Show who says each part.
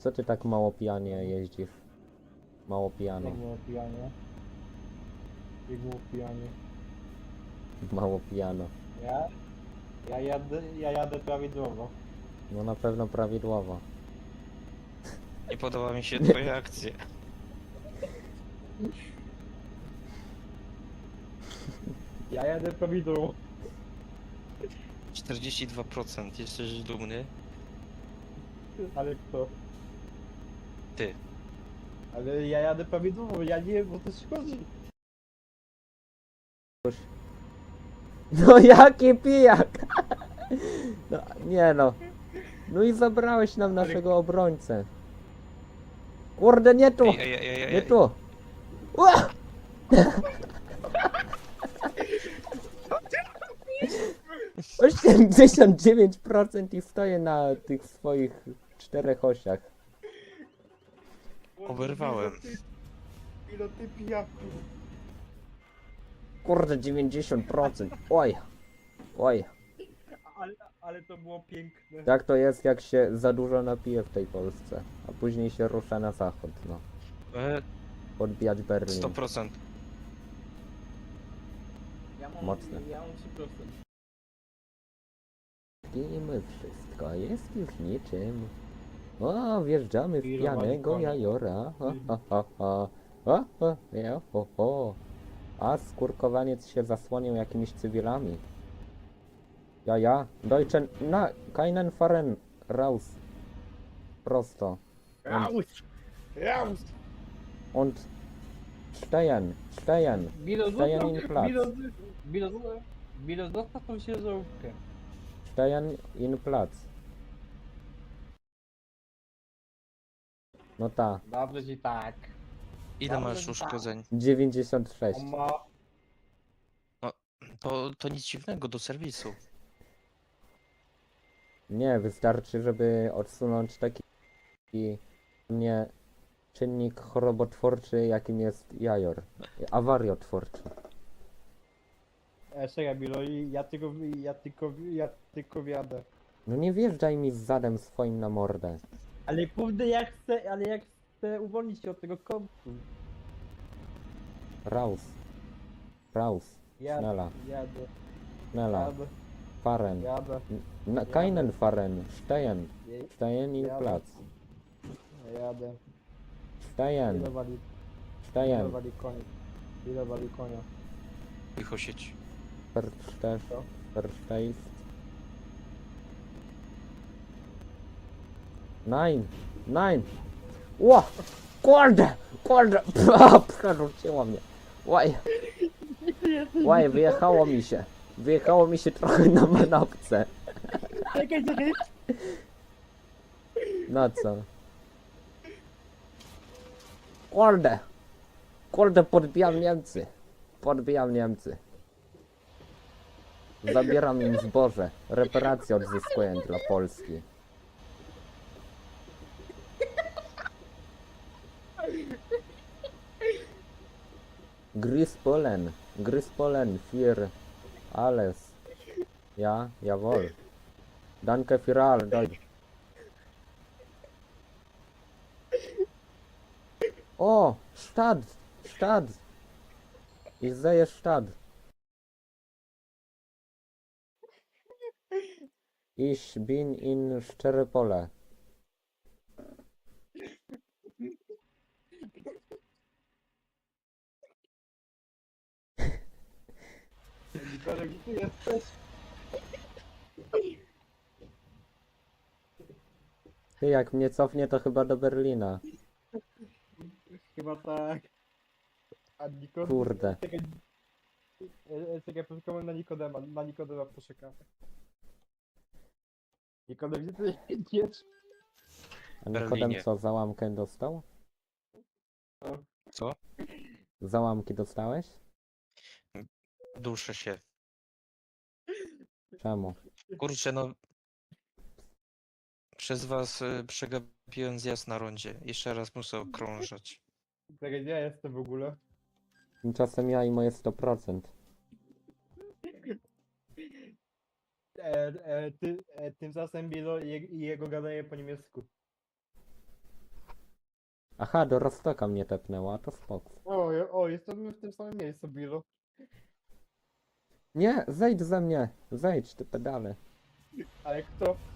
Speaker 1: Co ty tak mało pijanie jeździsz? Mało pijano.
Speaker 2: Jak było pijanie? Jak było pijanie?
Speaker 1: Mało pijano.
Speaker 2: Ja jadę prawidłowo.
Speaker 1: No na pewno prawidłowo.
Speaker 3: Nie podoba mi się twoja akcja.
Speaker 2: Ja jadę prawidłowo.
Speaker 3: 42%, jesteś dumny?
Speaker 2: Ale kto?
Speaker 3: Ty.
Speaker 2: Ale ja jadę prawidłowo, ja nie wiem, bo to szkodzi.
Speaker 1: No jaki pijak! No nie no. No i zabrałeś nam naszego obrońcę. Kurde, nie tu! Nie tu! Ła! 89% i stoję na tych swoich 4 osiach.
Speaker 3: Oberwałem.
Speaker 2: Ile ty pijaku?
Speaker 1: Kurde, 90%. Oj. Oj.
Speaker 2: Ale to było piękne.
Speaker 1: Tak to jest, jak się za dużo napije w tej Polsce. A później się rusza na zachód, no. Podbijać Berlin.
Speaker 3: 100%.
Speaker 1: Mocne.
Speaker 2: Ja mam 3%.
Speaker 1: Pijemy wszystko, jest już niczym. O, wjeżdżamy w pijanego
Speaker 2: konia.
Speaker 1: jajora. Ha, ha, ha, ha. Ha, ha, ja, ho, ho. A skurkowaniec się zasłonił jakimiś cywilami. Ja, Deutschen, na, keinen Fahren, raus. Prosto.
Speaker 2: Raus! Raus!
Speaker 1: Und stehen.
Speaker 2: Bilo,
Speaker 1: Stehen in Platz.
Speaker 2: Bilo, zostaw tą ciężarówkę.
Speaker 1: Stehen in Platz. No ta,
Speaker 2: Dobrze ci tak.
Speaker 3: Ile masz uszkodzeń?
Speaker 1: 96.
Speaker 2: On ma...
Speaker 3: To nic dziwnego, do serwisu.
Speaker 1: Nie, wystarczy, żeby odsunąć taki nie czynnik chorobotwórczy, jakim jest jajor. Awariotwórczy.
Speaker 2: Czekaj, Bilo, ja tylko wjadę.
Speaker 1: No nie wjeżdżaj mi z zadem swoim na mordę.
Speaker 2: Ale kurde, ja chcę uwolnić się od tego kątu.
Speaker 1: Raus. Raus.
Speaker 2: Jadę,
Speaker 1: Schnella.
Speaker 2: jadę,
Speaker 1: Fahren.
Speaker 2: jadę,
Speaker 1: Keinen Fahren. Stehen. Stehen in
Speaker 2: Jadę.
Speaker 1: Platz.
Speaker 2: jadę.
Speaker 1: Stehen.
Speaker 2: Ile wali
Speaker 1: Stehen.
Speaker 2: konia? Ile wali konia?
Speaker 3: Licho sieć.
Speaker 1: Verstehst. Nein. Ło! Kurde! Przerzuciło mnie. Łaj, wyjechało mi się trochę na manopce.
Speaker 2: Czekaj.
Speaker 1: No co? Kurde, podbijam Niemcy. Zabieram im zboże. Reparacje odzyskuję dla Polski. Grispolen für alles. Ja, jawohl. Danke für all, Deutsch. O, Stadt. Ich sehe Stadt. Ich bin in Szczeropole.
Speaker 2: Nikolek, gdzie ty jesteś?
Speaker 1: Ty, jak mnie cofnie, to chyba do Berlina.
Speaker 2: Chyba tak. A Nikodem...
Speaker 1: Kurde.
Speaker 2: Czekaj, poczekamy na Nikodema poczekamy. Nikodem, gdzie ty jedziesz?
Speaker 1: A
Speaker 3: Berlinie.
Speaker 1: Nikodem co, załamkę dostał?
Speaker 3: Co?
Speaker 1: Załamki dostałeś?
Speaker 3: Duszę się.
Speaker 1: Czemu?
Speaker 3: Kurczę, no. Przez was przegapiłem zjazd na rondzie. Jeszcze raz muszę okrążać.
Speaker 2: Czekaj, gdzie ja jestem w ogóle?
Speaker 1: Tymczasem ja i moje 100%.
Speaker 2: Tymczasem Bilo i jego gadaje po niemiecku.
Speaker 1: Aha, do Rostoka mnie tepnęła, to spoko.
Speaker 2: O, jestem w tym samym miejscu, Billu.
Speaker 1: Nie, zejdź ze mnie! Zejdź, ty pedale.
Speaker 2: Ale kto?